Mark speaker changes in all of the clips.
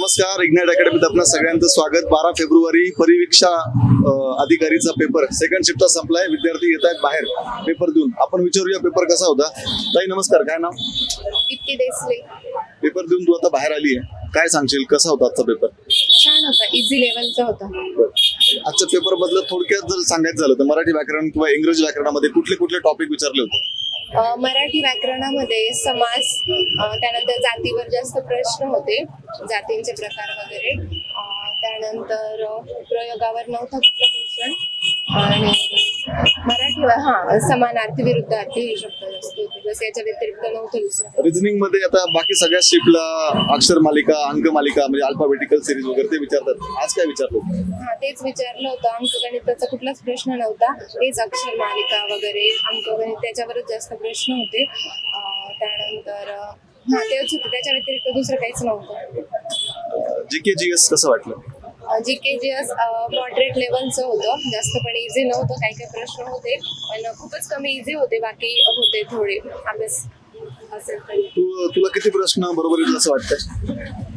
Speaker 1: नमस्कार, इग्नाइट अकॅडमीत आपल्या सगळ्यांचं स्वागत. 12 फेब्रुवारी परिवीक्षा अधिकारीचा पेपर सेकंड शिफ्टचा संपलाय. विद्यार्थी येत आहेत बाहेर पेपर देऊन. आपण विचारूया पेपर कसा होता. ताई नमस्कार, काय नाव?
Speaker 2: इतकी देसले.
Speaker 1: पेपर देऊन तू आता बाहेर आली आहे, काय सांगशील कसा होता आजचा पेपर?
Speaker 2: छान होता, इझी लेवलचा होता.
Speaker 1: आजच्या पेपर बद्दल थोडक्यात जर सांगायचं झालं तर मराठी व्याकरण किंवा इंग्रजी व्याकरणामध्ये कुठले कुठले टॉपिक विचारले होते?
Speaker 2: मराठी व्याकरणामध्ये समास, त्यानंतर जातीवर जास्त प्रश्न होते, जातींचे प्रकार वगैरे. त्यानंतर प्रयोगावर नव्हता कुठला क्वेश्चन. आणि मराठी समानार्थी विरुद्धार्थी हे शब्द जास्त होते, बस याच्या व्यतिरिक्त नव्हतं दुसरं.
Speaker 1: रिझनिंग मध्ये आता बाकी सगळ्या शिफ्टला अक्षर मालिका, अंक मालिका म्हणजे अल्फाबेटिकल सिरीज वगैरे ते विचारतात. आज काय विचारलं होतं?
Speaker 2: तेच विचारलं होतं. अंकगणिताचा कुठलाच प्रश्न नव्हता, तेच अक्षर मालिका वगैरे अंकगणित त्याच्यावरच जास्त प्रश्न होते. त्यानंतर तेच होते, त्याच्या व्यतिरिक्त दुसरं काहीच नव्हतं.
Speaker 1: जीके जीएस कसं वाटलं?
Speaker 2: जीकेजीएस मॉडरेट लेवलचं होतं, जास्त पण इझी नव्हतं. काही काही प्रश्न होते पण खूपच कमी इझी होते, बाकी होते थोडे अभ्यास असेल तरी.
Speaker 1: तुला किती प्रश्न बरोबर येतील असं वाटतं?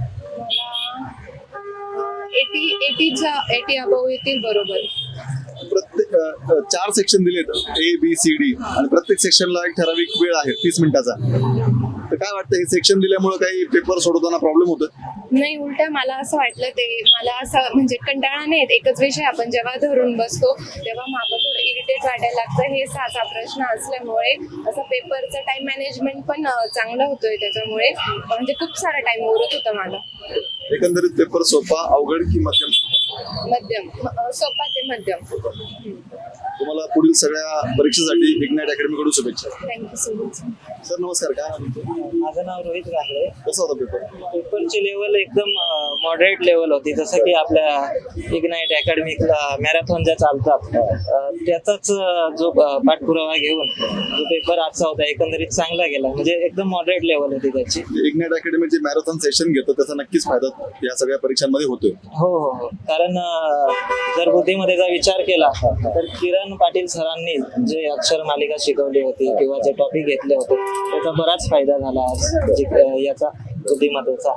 Speaker 2: मला 80 अबव येतील बरोबर.
Speaker 1: प्रत्येक 4 सेक्शन दिलेत, ABCD, आणि प्रत्येक सेक्शनला एक ठराविक वेळ आहे 30 मिनिटाचा. तर काय वाटतं, हे सेक्शन दिल्यामुळे काही पेपर सोडवताना प्रॉब्लेम होतो?
Speaker 2: नाही, उलट मला असं वाटलं, ते मला असं म्हणजे कंटाळा नाही येत. एकच विषय आपण जेव्हा धरून बसतो तेव्हा मागं थोडं इरिटेट वाटायला लागतं. हे 6 प्रश्न असल्यामुळे असं पेपरचं टाइम मॅनेजमेंट पण चांगलं होतोय त्याच्यामुळे, म्हणजे खूप सारा टाइम उरत होता मला.
Speaker 1: एकंदरीत पेपर सोपा, अवघड की मध्यम?
Speaker 2: मध्यम, सोपा ते मध्यम.
Speaker 1: तुम्हाला पुढील सगळ्या परीक्षेसाठी इग्नाइट अकॅडमी कडून शुभेच्छा.
Speaker 2: Thank you so much.
Speaker 1: सर नमस्कार, काय नाव तुमचं?
Speaker 3: माझं नाव रोहित गांगडे.
Speaker 1: कसा होता पेपर?
Speaker 3: पेपरची लेवल एकदम मॉडरेट लेवल होती. जसं की आपल्या इग्नाइट अकॅडमीला मॅरेथॉन ज्या चालतात त्याचाच जो पाठपुरावा घेऊन जो पेपर आजचा होता एकंदरीत चांगला गेला. म्हणजे एकदम मॉडरेट लेवल होती त्याची.
Speaker 1: इग्नाइट अकॅडमी जे मॅरेथॉन सेशन घेतो त्याचा नक्कीच फायदा या सगळ्या परीक्षांमध्ये होतोय.
Speaker 3: हो, कारण जर बुद्धीमध्ये जर विचार केला तर किरण पाटील सरांनी जे अक्षर मालिका शिकवली होती किंवा जे टॉपिक घेतले होते त्याचा बराच फायदा झाला याचा बुद्धिमत्तेचा.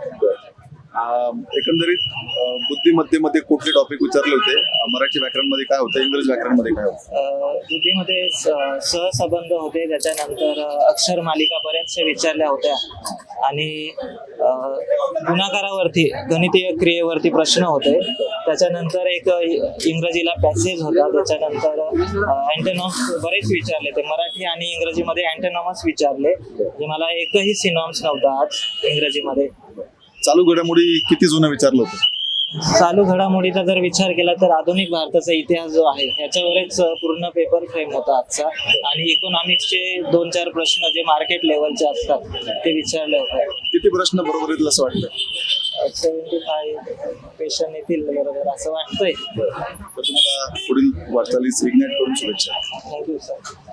Speaker 1: एकंदरीत बुद्धिमत्तेमध्ये कुठले टॉपिक विचारले होते? मराठी व्याकरणमध्ये काय होतं, इंग्रजी व्याकरणमध्ये काय होतं?
Speaker 3: बुद्धीमध्ये सहसंबंध होते, त्याच्यानंतर अक्षर मालिका बऱ्याचशा विचारल्या होत्या, आणि गुणाकारावरती गणितीय क्रियेवरती प्रश्न होते. त्याच्यानंतर एक इंग्रजीला पॅसेज होता. त्याच्यानंतर अँटोनॉम्स बरेच विचारले ते मराठी आणि इंग्रजीमध्ये. अँटोनॉम्स विचारले, म्हणजे मला एकही सिनॉम्स नव्हता आज इंग्रजीमध्ये.
Speaker 1: चालू घडामोडी किती जुनं विचारलं होतं?
Speaker 3: चालू घडामोडीचा जर विचार केला तर आधुनिक भारताचा इतिहास जो आहे ह्याच्यावरच पूर्ण पेपर फ्रेम होता आजचा. आणि इकॉनॉमिक्सचे 2-4 प्रश्न जे मार्केट लेवलचे असतात ते विचारले होते.
Speaker 1: किती प्रश्न बरोबर येतील असं वाटतं?
Speaker 3: 75 क्वेश्चन येतील बरोबर असं वाटतंय.
Speaker 1: तर तुम्हाला पुढील वाटचालीस इग्नाइट कडून शुभेच्छा.
Speaker 3: Thank you sir.